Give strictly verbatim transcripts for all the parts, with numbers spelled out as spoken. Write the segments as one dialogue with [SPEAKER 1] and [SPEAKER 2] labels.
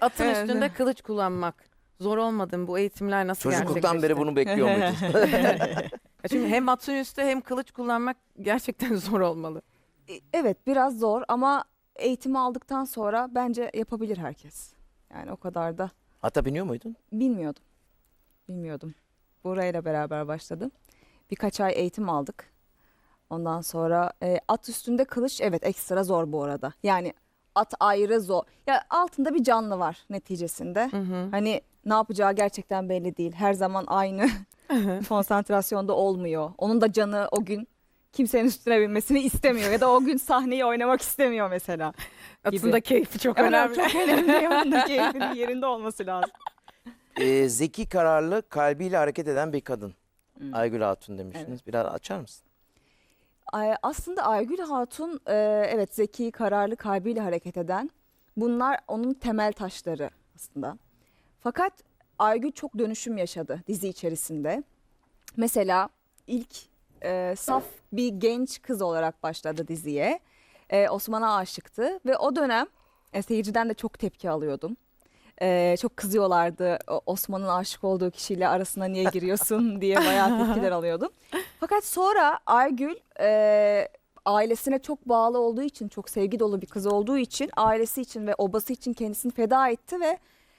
[SPEAKER 1] Atın
[SPEAKER 2] Evet.
[SPEAKER 1] üstünde kılıç kullanmak. Zor olmadı mı? Bu eğitimler nasıl
[SPEAKER 3] Çocukluktan
[SPEAKER 1] gerçekleşti?
[SPEAKER 3] beri bunu bekliyor muydun?
[SPEAKER 1] Ya Çünkü hem atın üstü hem kılıç kullanmak gerçekten zor olmalı.
[SPEAKER 2] E, Evet, biraz zor ama eğitimi aldıktan sonra bence yapabilir herkes. Yani o kadar da
[SPEAKER 3] Ata biniyor muydun?
[SPEAKER 2] bilmiyordum. Bilmiyordum. Burayla beraber başladım. Birkaç ay eğitim aldık. Ondan sonra e, at üstünde kılıç, evet, ekstra zor bu arada. Yani at ayrı zor. Ya altında bir canlı var neticesinde.
[SPEAKER 1] Hı hı.
[SPEAKER 2] Hani ne yapacağı gerçekten belli değil. Her zaman aynı konsantrasyonda olmuyor. Onun da canı o gün kimsenin üstüne binmesini istemiyor ya da o gün sahneyi oynamak istemiyor mesela.
[SPEAKER 1] Atın da keyfi çok
[SPEAKER 2] Evet,
[SPEAKER 1] önemli.
[SPEAKER 2] çok önemli. Onun da keyfinin yerinde olması lazım.
[SPEAKER 3] Ee, zeki, kararlı, kalbiyle hareket eden bir kadın.
[SPEAKER 2] Hmm.
[SPEAKER 3] Aygül Hatun demiştiniz. Biraz açar mısın?
[SPEAKER 2] Ay- Aslında Aygül Hatun e, evet zeki, kararlı, kalbiyle hareket eden. Bunlar onun temel taşları aslında. Fakat Aygül çok dönüşüm yaşadı dizi içerisinde. Mesela ilk e, saf bir genç kız olarak başladı diziye. E, Osman'a aşıktı ve o dönem e, seyirciden de çok tepki alıyordum. E, çok kızıyorlardı, O- Osman'ın aşık olduğu kişiyle arasına niye giriyorsun diye bayağı tepkiler alıyordum. Fakat sonra Aygül e, ailesine çok bağlı olduğu için, çok sevgi dolu bir kız olduğu için, ailesi için ve obası için kendisini feda etti ve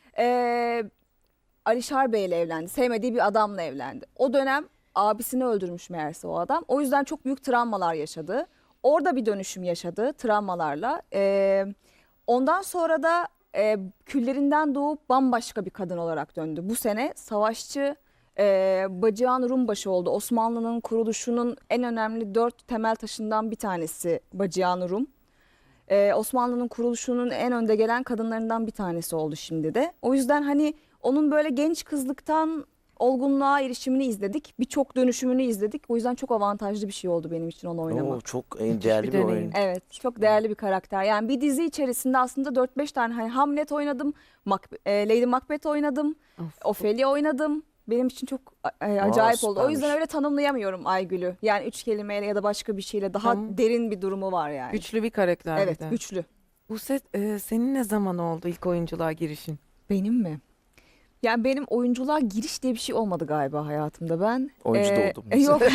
[SPEAKER 2] e, Alişar Bey ile evlendi. Sevmediği bir adamla evlendi. O dönem abisini öldürmüş meğerse o adam. O yüzden çok büyük travmalar yaşadı. Orada bir dönüşüm yaşadı travmalarla. E, ondan sonra da e, küllerinden doğup bambaşka bir kadın olarak döndü. Bu sene savaşçı e, Bacıhan Rumbaşı oldu. Osmanlı'nın kuruluşunun en önemli dört temel taşından bir tanesi Bacıhan Rum. Ee, Osmanlı'nın kuruluşunun en önde gelen kadınlarından bir tanesi oldu şimdi de. O yüzden hani onun böyle genç kızlıktan olgunluğa erişimini izledik. Birçok dönüşümünü izledik. O yüzden çok avantajlı bir şey oldu benim için onu oynamak.
[SPEAKER 3] Oo, çok e, değerli
[SPEAKER 1] bir
[SPEAKER 3] bir,
[SPEAKER 1] deneyim.
[SPEAKER 3] oyun.
[SPEAKER 2] Evet, çok değerli bir karakter. Yani bir dizi içerisinde aslında dört beş tane, hani Hamlet oynadım, Mac- e, Lady Macbeth oynadım,
[SPEAKER 1] Of.
[SPEAKER 2] Ophelia oynadım. Benim için çok e, acayip oldu. O
[SPEAKER 3] süpermiş.
[SPEAKER 2] yüzden öyle tanımlayamıyorum Aygül'ü. Yani üç kelimeyle ya da başka bir şeyle daha
[SPEAKER 1] Tamam.
[SPEAKER 2] derin bir durumu var yani.
[SPEAKER 1] Güçlü bir karakter
[SPEAKER 2] Evet,
[SPEAKER 1] bir de.
[SPEAKER 2] güçlü.
[SPEAKER 1] Bu set e, senin ne zaman oldu ilk oyunculuğa girişin?
[SPEAKER 2] Benim mi? Yani benim oyunculuğa giriş diye bir şey olmadı galiba hayatımda. Ben
[SPEAKER 3] Oyuncu
[SPEAKER 2] e,
[SPEAKER 3] doğdum.
[SPEAKER 2] e, Yok.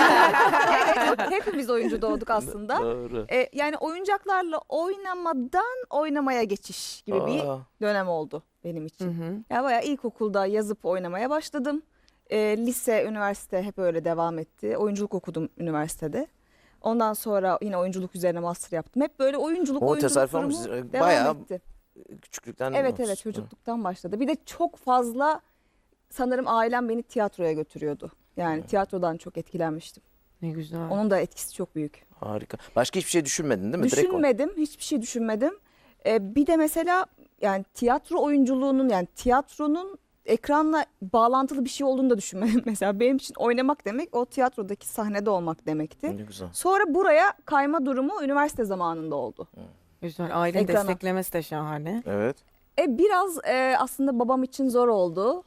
[SPEAKER 2] Evet, hepimiz oyuncu doğduk aslında.
[SPEAKER 3] Doğru.
[SPEAKER 2] E, yani oyuncaklarla oynamadan oynamaya geçiş gibi bir
[SPEAKER 3] Aa,
[SPEAKER 2] dönem oldu benim
[SPEAKER 1] Hı
[SPEAKER 2] için.
[SPEAKER 1] hı.
[SPEAKER 2] Ya bayağı ilkokulda yazıp oynamaya başladım. E, lise, üniversite hep öyle devam etti. Oyunculuk okudum üniversitede. Ondan sonra yine oyunculuk üzerine master yaptım. Hep böyle oyunculuk,
[SPEAKER 3] O
[SPEAKER 2] oyunculuk
[SPEAKER 3] tesadüf
[SPEAKER 2] durumu
[SPEAKER 3] olmuş. Ee,
[SPEAKER 2] devam
[SPEAKER 3] bayağı
[SPEAKER 2] etti.
[SPEAKER 3] küçüklükten
[SPEAKER 2] Evet
[SPEAKER 3] olmuş.
[SPEAKER 2] evet, çocukluktan başladı. Bir de çok fazla sanırım ailem beni tiyatroya götürüyordu. Yani
[SPEAKER 3] Hı.
[SPEAKER 2] tiyatrodan çok etkilenmiştim.
[SPEAKER 1] Ne güzel.
[SPEAKER 2] Onun da etkisi çok büyük.
[SPEAKER 3] Harika. Başka hiçbir şey düşünmedin değil mi? Direkt o.
[SPEAKER 2] Düşünmedim, hiçbir şey düşünmedim. Ee, bir de mesela yani tiyatro oyunculuğunun, yani tiyatronun ekranla bağlantılı bir şey olduğunu da düşünmedim. Mesela benim için oynamak demek o tiyatrodaki sahnede olmak demekti.
[SPEAKER 3] Ne güzel.
[SPEAKER 2] Sonra buraya kayma durumu üniversite zamanında oldu.
[SPEAKER 1] Güzel. Ailenin
[SPEAKER 2] Ekrana.
[SPEAKER 1] desteklemesi de şahane.
[SPEAKER 3] Evet.
[SPEAKER 2] E biraz e, aslında babam için zor oldu.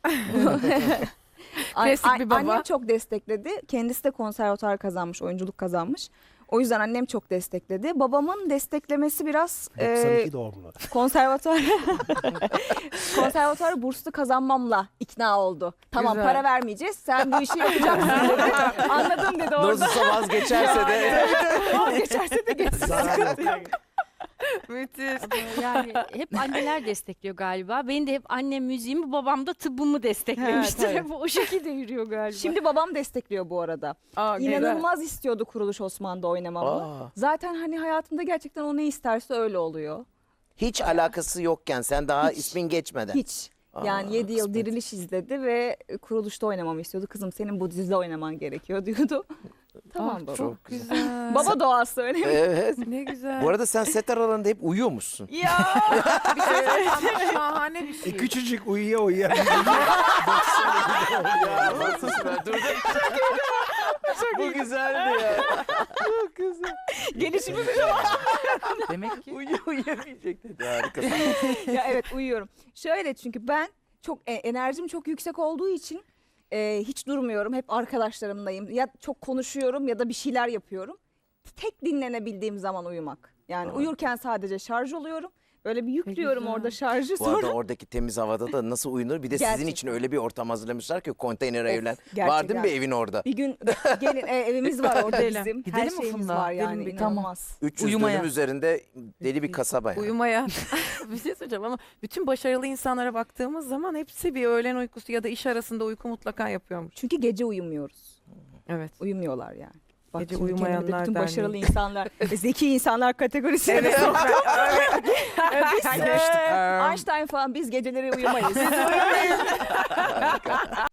[SPEAKER 2] An-
[SPEAKER 1] Klasik
[SPEAKER 2] an-
[SPEAKER 1] bir baba.
[SPEAKER 2] Annem çok destekledi. Kendisi de konservatuar kazanmış, oyunculuk kazanmış. O yüzden annem çok destekledi. Babamın desteklemesi biraz
[SPEAKER 4] doksan
[SPEAKER 2] e,
[SPEAKER 4] iki doğumlu.
[SPEAKER 2] konservatuar konservatuar burslu kazanmamla ikna oldu. Tamam,
[SPEAKER 1] Güzel.
[SPEAKER 2] para vermeyeceğiz, sen bu işi yapacaksın dedi. Anladım dedi orada.
[SPEAKER 3] Nasılsa vazgeçerse de.
[SPEAKER 2] Geçerse de geçsin.
[SPEAKER 4] Zarar yok.
[SPEAKER 1] Müthiş.
[SPEAKER 5] Yani hep anneler destekliyor galiba. Benim de hep annem müziğimi, babam da tıbbımı desteklemiştir.
[SPEAKER 2] Evet,
[SPEAKER 5] Hep o şekilde yürüyor galiba.
[SPEAKER 2] Şimdi babam destekliyor bu arada.
[SPEAKER 1] Aa, güzel.
[SPEAKER 2] İnanılmaz istiyordu Kuruluş Osman'da oynamamı.
[SPEAKER 3] Aa,
[SPEAKER 2] Zaten hani hayatımda gerçekten o ne isterse öyle oluyor.
[SPEAKER 3] hiç alakası yokken sen daha
[SPEAKER 2] Hiç.
[SPEAKER 3] ismin geçmeden.
[SPEAKER 2] Hiç.
[SPEAKER 3] Aa,
[SPEAKER 2] Yani yedi yıl
[SPEAKER 3] kısmet.
[SPEAKER 2] Diriliş izledi ve Kuruluş'ta oynamamı istiyordu. Kızım, senin bu dizide oynaman gerekiyor diyordu. Tamam
[SPEAKER 1] Ah,
[SPEAKER 2] baba.
[SPEAKER 1] çok güzel.
[SPEAKER 2] Baba doğası önemli.
[SPEAKER 3] Evet.
[SPEAKER 1] Ne güzel.
[SPEAKER 3] Bu arada sen set aralarında hep uyuyormuşsun.
[SPEAKER 2] Ya
[SPEAKER 1] bir şey söyleyeyim ama şahane bir
[SPEAKER 4] E,
[SPEAKER 1] şey.
[SPEAKER 4] küçücük uyuya uyuya.
[SPEAKER 3] Ya nasıl süper. Dur dur. Bu güzeldi ya. Çok güzel.
[SPEAKER 2] gelişimi
[SPEAKER 1] Demek ki.
[SPEAKER 3] Uyu uyuyamayacak dedi. Harikasın.
[SPEAKER 2] ya evet, uyuyorum. Şöyle, çünkü ben çok e, enerjim çok yüksek olduğu için e, hiç durmuyorum. Hep arkadaşlarımlayım. Ya çok konuşuyorum ya da bir şeyler yapıyorum. Tek dinlenebildiğim zaman uyumak. Yani
[SPEAKER 3] Aa.
[SPEAKER 2] uyurken sadece şarj oluyorum Öyle bir yüklüyorum
[SPEAKER 1] güzel.
[SPEAKER 2] orada şarjı
[SPEAKER 3] Bu arada
[SPEAKER 2] sonra.
[SPEAKER 3] oradaki temiz havada da nasıl uyunur? Bir de sizin
[SPEAKER 2] Gerçekten.
[SPEAKER 3] için öyle bir ortam hazırlamışlar ki konteyner
[SPEAKER 2] Of,
[SPEAKER 3] evlen. Var
[SPEAKER 2] gerçekten.
[SPEAKER 3] değil mi bir evin orada?
[SPEAKER 2] Bir gün gelin e, evimiz var orada
[SPEAKER 1] Gidelim.
[SPEAKER 2] bizim.
[SPEAKER 4] Gidelim
[SPEAKER 2] Her
[SPEAKER 4] mi
[SPEAKER 2] şeyimiz
[SPEAKER 4] Funda?
[SPEAKER 2] var
[SPEAKER 1] Gidelim
[SPEAKER 2] yani
[SPEAKER 1] bir-
[SPEAKER 2] inanılmaz.
[SPEAKER 3] üç yüz
[SPEAKER 4] Uyumaya.
[SPEAKER 3] dönüm üzerinde deli bir kasaba yani.
[SPEAKER 1] Uyumaya bir şey söyleyeceğim ama bütün başarılı insanlara baktığımız zaman hepsi bir öğlen uykusu ya da iş arasında uyku mutlaka yapıyormuş.
[SPEAKER 2] Çünkü gece uyumuyoruz.
[SPEAKER 1] Evet.
[SPEAKER 2] Uyumuyorlar yani. Bak
[SPEAKER 1] Gece
[SPEAKER 2] şimdi kendimi de
[SPEAKER 1] Uyumayanlar
[SPEAKER 2] bütün
[SPEAKER 1] Derneği.
[SPEAKER 2] başarılı insanlar, ve zeki insanlar kategorisine
[SPEAKER 1] Evet.
[SPEAKER 2] soktum. Biz,
[SPEAKER 1] Geçtik.
[SPEAKER 2] e, Einstein falan biz geceleri uyumayız.